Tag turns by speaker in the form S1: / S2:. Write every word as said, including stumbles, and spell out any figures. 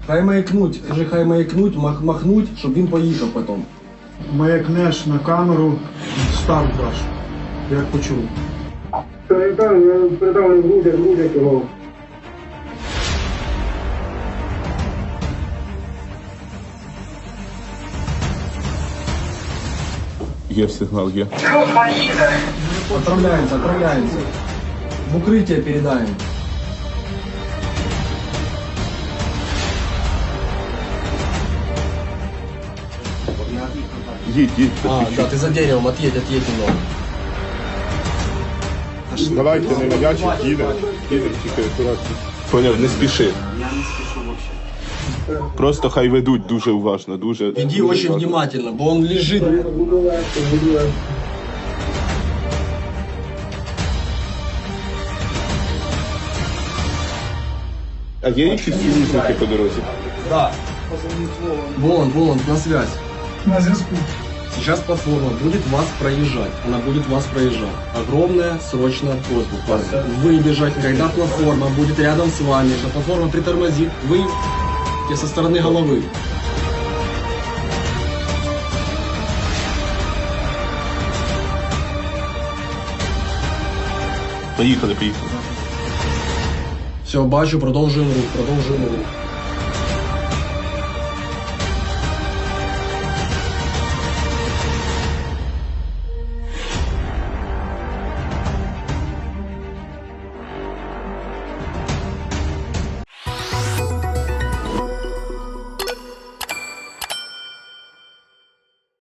S1: Хай маякнуть, скажи, хай маякнуть, мах, махнуть, щоб він поїхав потім.
S2: Маякнеш на камеру, старт даш, як почув.
S3: Передав, я передав, грудять, грудять його.
S4: Є сигнал, є.
S1: Отправляемся, отправляемся. В укрытие передаем.
S4: Їдь, їдь.
S1: А, да, ты за деревом, отъедь, отъедь немного.
S4: Давайте не нав'ячить, їдемо. Їдемо, тільки акуратно. Поняв, не спіши.
S5: Я не спешу вообще.
S4: Просто хай ведуть дуже уважно, дуже.
S1: Иди
S4: дуже
S1: очень
S4: уважно.
S1: внимательно, бо он лежит.
S3: Буду легко, буду легко.
S4: А є якісь союзники по дорозі?
S1: Да. Вон, вон, на связь.
S2: На зв'язку.
S1: Сейчас платформа будет вас проезжать. Она будет вас проезжать. Огромная срочная просьба к вам. Выбежать, когда платформа будет рядом с вами. Что платформа притормозит, вы со стороны головы.
S4: Поїхали, поїхали.
S1: Все, бачу, продовжуємо рух, продовжуємо рух.